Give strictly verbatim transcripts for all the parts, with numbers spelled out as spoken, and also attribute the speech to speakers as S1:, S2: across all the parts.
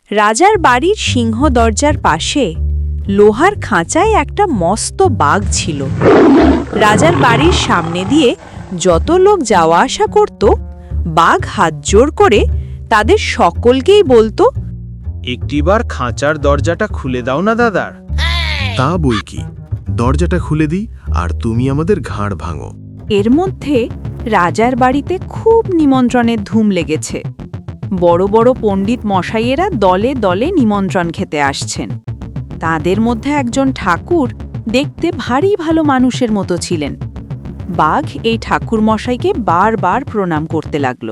S1: রাজার বাড়ির সিংহ দরজার পাশে লোহার খাঁচায় একটা মস্ত বাঘ ছিল। রাজার বাড়ির সামনে দিয়ে যত লোক যাওয়া আসা করত, বাঘ হাত জোড় করে তাদের সকলকেই বলতো,
S2: একটিবার খাঁচার দরজাটা খুলে দাও না দাদার।
S3: তা বই কি, দরজাটা খুলে দিই আর তুমি আমাদের ঘাড় ভাঙো।
S1: এর মধ্যে রাজার বাড়িতে খুব নিমন্ত্রণের ধুম লেগেছে। বড় বড় পণ্ডিত মশাইয়েরা দলে দলে নিমন্ত্রণ খেতে আসছেন। তাদের মধ্যে একজন ঠাকুর দেখতে ভারী ভালো মানুষের মতো ছিলেন। বাঘ এই ঠাকুর মশাইকে বারবার প্রণাম করতে লাগল।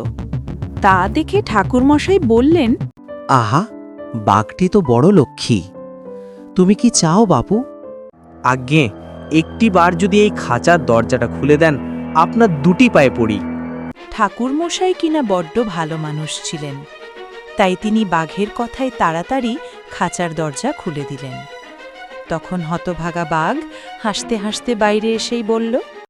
S1: তা দেখে ঠাকুর মশাই বললেন,
S4: আহা, বাঘটি তো বড় লক্ষ্মী। তুমি কি চাও বাপু?
S2: আজ্ঞে, একটি বার যদি এই খাঁচার দরজাটা খুলে দেন, আপনার দুটি পায়ে পড়ি।
S1: ঠাকুর মশাই কিনা বড্ড ভালো মানুষ ছিলেন, তাই তিনি বাঘের কথায় তাড়াতাড়ি খাঁচার দরজা খুলে দিলেন। তখন হতভাগা বাঘ হাসতে হাসতে বাইরে এসেই বলল,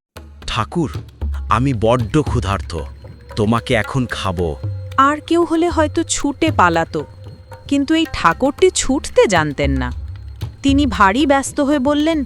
S5: ঠাকুর, আমি বড্ড ক্ষুধার্ত, তোমাকে এখন খাবো।
S1: আর কেউ হলে হয়তো ছুটে পালাতো, কিন্তু এই ঠাকুরটি ছুটতে জানতেন না। তিনি ভারী ব্যস্ত হয়ে বললেন,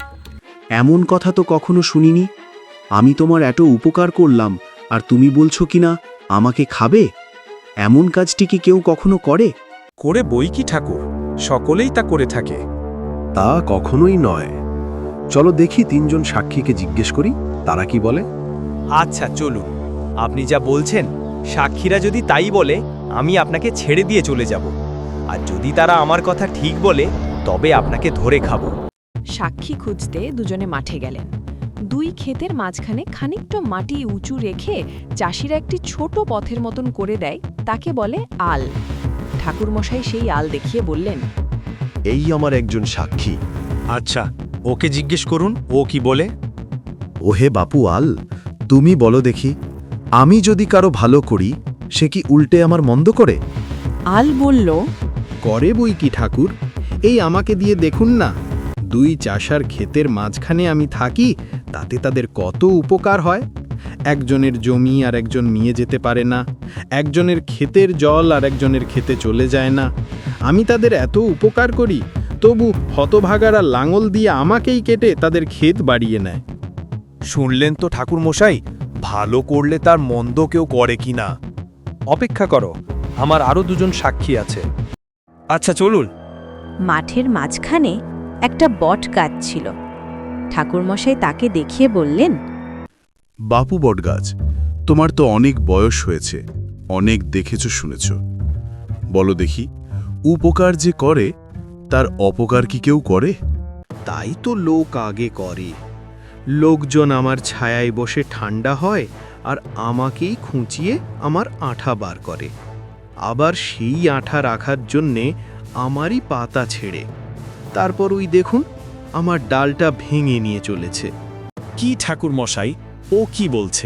S3: এমন কথা তো কখনো শুনিনি। আমি তোমার এত উপকার করলাম আর তুমি বলছো কিনা আমাকে খাবে? এমন কাজটি কি কেউ কখনো করে?
S6: করে বই কি ঠাকুর, সকলেই তা করে থাকে।
S3: তা কখনোই নয়। চলো দেখি তিনজন সাক্ষীকে জিজ্ঞেস করি, তারা কি বলে।
S2: আচ্ছা চলুন, আপনি যা বলছেন সাক্ষীরা যদি তাই বলে, আমি আপনাকে ছেড়ে দিয়ে চলে যাব। আর যদি তারা আমার কথা ঠিক বলে, তবে আপনাকে ধরে খাবো।
S7: সাক্ষী খুঁজতে দুজনে মাঠে গেলেন। দুই ক্ষেতের মাঝখানে খানিকটা মাটি উঁচু রেখে চাষিরা একটি ছোট পথের মতন করে দেয়, তাকে বলে আল। ঠাকুরমশাই সেই আল দেখিয়ে বললেন,
S3: এই আমার একজন সাক্ষী।
S6: আচ্ছা, ওকে জিজ্ঞেস করুন ও কি বলে।
S3: ওহে বাপু আল, তুমি বলো দেখি, আমি যদি কারো ভালো করি, সে কি উল্টে আমার মন্দ করে?
S1: আল বলল,
S8: করে বই কি ঠাকুর, এই আমাকে দিয়ে দেখুন না। দুই চাষার ক্ষেতের মাঝখানে আমি থাকি, তাতে তাদের কত উপকার হয়। একজনের জমি আর একজন নিয়ে যেতে পারে না, একজনের ক্ষেতের জল আর একজনের ক্ষেতে চলে যায় না। আমি তাদের এত উপকার করি, তবু হতভাগারা লাঙল দিয়ে আমাকেই কেটে তাদের ক্ষেত বাড়িয়ে নেয়।
S6: শুনলেন তো ঠাকুর মশাই, ভালো করলে তার মন্দ কেউ করে কিনা। অপেক্ষা করো, আমার আরো দুজন সাক্ষী আছে। আচ্ছা চলুন।
S1: মাঠের মাঝখানে একটা বট গাছ ছিল। ঠাকুরমশাই তাকে দেখিয়ে বললেন,
S3: বাপু বটগাছ, তোমার তো অনেক বয়স হয়েছে, অনেক দেখেছ শুনেছ। বলো দেখি, উপকার যে করে তার অপকার কি কেউ করে?
S8: তাই তো লোক আগে করে। লোকজন আমার ছায়ায় বসে ঠান্ডা হয় আর আমাকেই খুঁচিয়ে আমার আঠা বার করে। আবার সেই আঠা রাখার জন্যে আমারই পাতা ছেড়ে। তারপর ওই দেখুন, আমার ডালটা ভেঙে নিয়ে চলেছে।
S6: কি ঠাকুর মশাই, ও কি বলছে?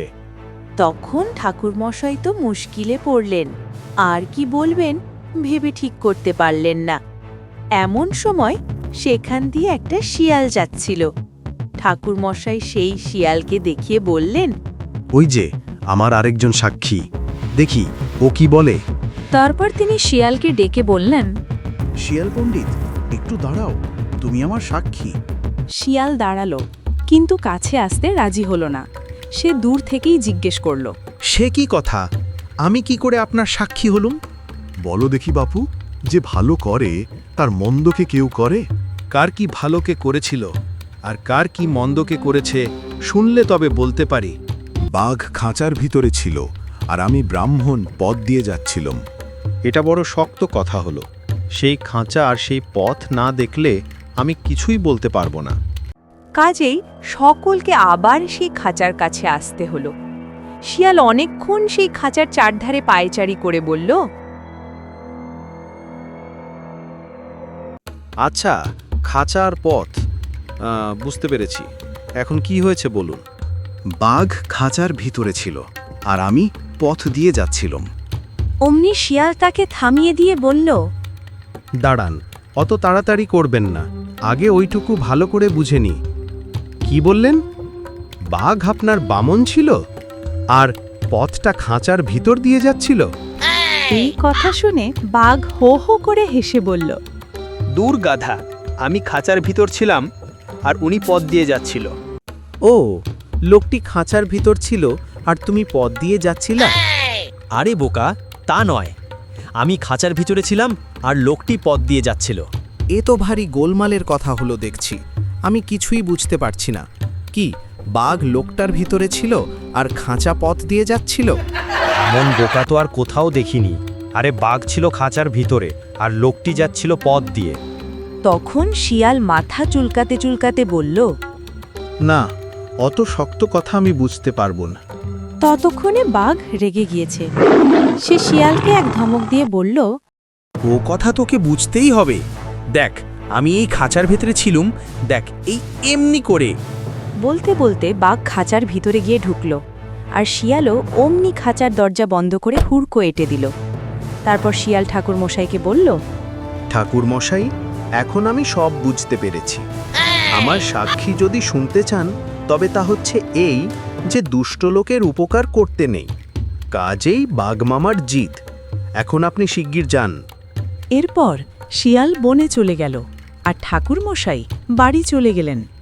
S1: তখন ঠাকুরমশাই তো মুশকিলে পড়লেন, আর কি বলবেন ভেবে ঠিক করতে পারলেন না। এমন সময় সেখান দিয়ে একটা শিয়াল যাচ্ছিল। ঠাকুরমশাই সেই শিয়ালকে দেখিয়ে বললেন,
S3: ওই যে আমার আরেকজন সাক্ষী, দেখি ও কি বলে।
S7: তারপর তিনি শিয়ালকে ডেকে বললেন,
S3: শিয়াল পণ্ডিত, একটু দাঁড়াও, তুমি আমার সাক্ষী।
S7: শিয়াল দাঁড়ালো, কিন্তু কাছে আসতে রাজি হলো না। সে দূর থেকেই জিজ্ঞেস করল,
S8: সে কি কথা, আমি কি করে আপনার সাক্ষী হলুম?
S3: বলো দেখি বাপু, যে ভালো করে তার মন্দকে কেউ করে?
S8: কার কি ভালোকে করেছিল আর কার কি মন্দকে করেছে শুনলে তবে বলতে পারি।
S3: বাঘ খাঁচার ভিতরে ছিল আর আমি ব্রাহ্মণ পথ দিয়ে যাচ্ছিলাম।
S8: এটা বড় শক্ত কথা হলো। সেই খাঁচা আর সেই পথ না দেখলে আমি কিছুই বলতে পারবো না।
S1: কাজেই সকলকে আবার সেই খাঁচার কাছে আসতে হলো। শিয়াল অনেকক্ষণ সেই খাঁচার চারধারে পায়চারি করে বলল,
S8: আচ্ছা, খাঁচা আর পথ, আহ, বুঝতে পেরেছি। এখন কি হয়েছে বলুন।
S3: বাঘ খাঁচার ভিতরে ছিল আর আমি পথ দিয়ে যাচ্ছিলাম।
S1: অমনি শিয়াল তাকে থামিয়ে দিয়ে বলল,
S8: দাঁড়ান, অত তাড়াতাড়ি করবেন না, আগে ওইটুকু ভালো করে বুঝে নি। কি বললেন? বাঘ আপনার বামন ছিল আর পথটা খাঁচার ভিতর দিয়ে যাচ্ছিল?
S1: এই কথা শুনে বাঘ হো হো করে হেসে বলল,
S2: দূর গাধা, আমি খাঁচার ভিতর ছিলাম আর উনি পথ দিয়ে যাচ্ছিল।
S5: ও, লোকটি খাঁচার ভিতর ছিল আর তুমি পথ দিয়ে যাচ্ছিলা?
S2: আরে বোকা, তা নয়, আমি খাঁচার ভিতরে ছিলাম আর লোকটি পথ দিয়ে যাচ্ছিল।
S5: এ তো ভারী গোলমালের কথা হলো দেখছি। আমি কিছুই বুঝতে পারছি না। কি, বাঘ লোকটার ভিতরে ছিল আর খাঁচা পথ দিয়ে যাচ্ছিল?
S2: মন বোকা তো আর কোথাও দেখিনি। আরে বাঘ ছিল খাঁচার ভিতরে আর লোকটি যাচ্ছিল পথ দিয়ে।
S1: তখন শিয়াল মাথা চুলকাতে চুলকাতে বলল,
S3: না, অত শক্ত কথা আমি বুঝতে পারবো না।
S1: ততক্ষণে বাঘ রেগে গিয়েছে। সে শিয়ালকে এক ধমক দিয়ে বলল,
S5: ও কথা তোকে বুঝতেই হবে। দেখ, আমি এই খাঁচার ভেতরে ছিলুম, দেখ এই এমনি করে।
S1: বলতে বলতে বাঘ খাঁচার ভিতরে গিয়ে ঢুকল, আর শিয়ালও অমনি খাঁচার দরজা বন্ধ করে হুড়কো এঁটে দিল। তারপর শিয়াল ঠাকুর মশাইকে বলল,
S8: ঠাকুর মশাই, এখন আমি সব বুঝতে পেরেছি। আমার সাক্ষী যদি শুনতে চান, তবে তা হচ্ছে এই যে দুষ্ট লোকের উপকার করতে নেই। কাজেই বাঘমামার জিত। এখন আপনি শিগগির যান।
S1: এরপর শিয়াল বনে চলে গেল আর ঠাকুর মশাই বাড়ি চলে গেলেন।